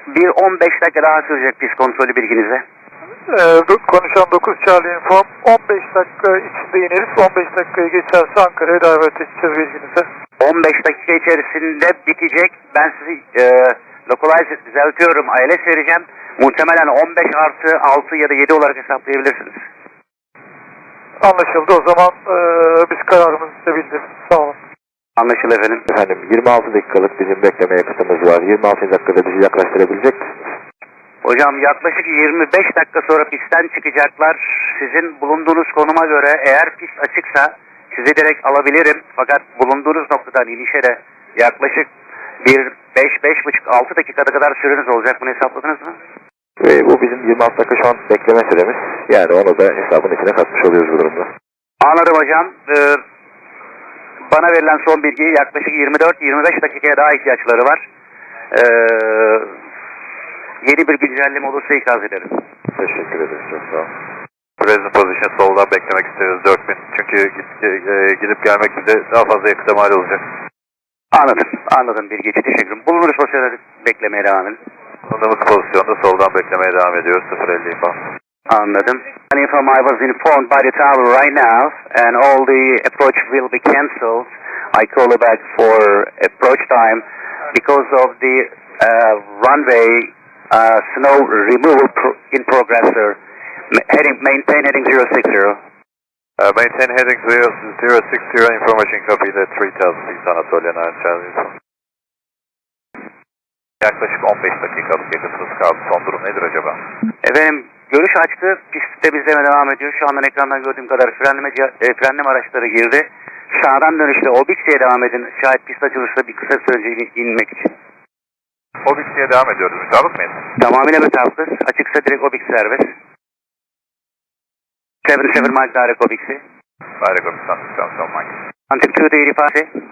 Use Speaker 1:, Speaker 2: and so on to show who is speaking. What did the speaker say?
Speaker 1: Bir 15 dakika daha sürecek pist kontrolü bilginize.
Speaker 2: Konuşan 9 Charlie Inform. 15 dakika içinde ineriz. 15 dakikayı geçerse Ankara'ya davet edeceğiz bilginize.
Speaker 1: 15 dakika içerisinde bitecek. Ben sizi localize düzeltiyorum. ILS vereceğim. Muhtemelen 15 artı 6 ya da 7 olarak hesaplayabilirsiniz.
Speaker 2: Anlaşıldı. O zaman biz kararımızı size bildiririz. Sağ olun.
Speaker 1: Anlaşıldı efendim.
Speaker 3: Efendim 26 dakikalık bizim bekleme yakıtımız var. 26 dakikada bizi yaklaştırabilecek misiniz?
Speaker 1: Hocam yaklaşık 25 dakika sonra pistten çıkacaklar. Sizin bulunduğunuz konuma göre eğer pist açıksa sizi direkt alabilirim. Fakat bulunduğunuz noktadan inişe de yaklaşık 5-5,5-6 dakikada kadar süreniz olacak. Bunu hesapladınız mı?
Speaker 3: Bu bizim 26 dakika şu an bekleme süremiz. Yani onu da hesabın içine katmış oluyoruz bu durumda.
Speaker 1: Anladım hocam. Bana verilen son bilgi yaklaşık 24-25 dakikaya daha ihtiyaçları var. Yeni bir güncelleme olursa ikaz ederim.
Speaker 3: Teşekkür ederiz. Çok sağ olun.
Speaker 4: Present position soldan beklemek isteriz 4000. Çünkü gidip gelmek bize daha fazla yakıta mal olacak.
Speaker 1: Anladım bilgi için teşekkür ederim. Bulunuruz pozisyonda beklemeye devam edin.
Speaker 4: Bulunduğumuz pozisyonda soldan beklemeye devam ediyoruz 050 info.
Speaker 1: Anladım. Inform I was informed by the tower right now and all the approach will be cancelled. I call you back for approach time because of the runway snow removal in progress, sir. Maintain heading 060.
Speaker 4: Maintain heading 060, information copy the 3000 feet Anatolian Air Charlie. Yaklaşık 15 dakikalık yakıtımız kaldı. Son durum nedir acaba?
Speaker 1: Efendim görüş açtı. Pist temizleme devam ediyor. Şu andan ekrandan gördüğüm kadar frenleme araçları girdi. Sağdan dönüşte Obixi'ye devam edin. Şayet pist açılırsa bir kısa süre önce inmek için.
Speaker 4: Obixi'ye devam ediyoruz. Mütabık mıyız?
Speaker 1: Tamamıyla mütabıkız. Açıksa direkt Obix serbest. 77 Mike direct Obix'i.
Speaker 4: Direct Obix, Mike.
Speaker 1: Antik 2 85.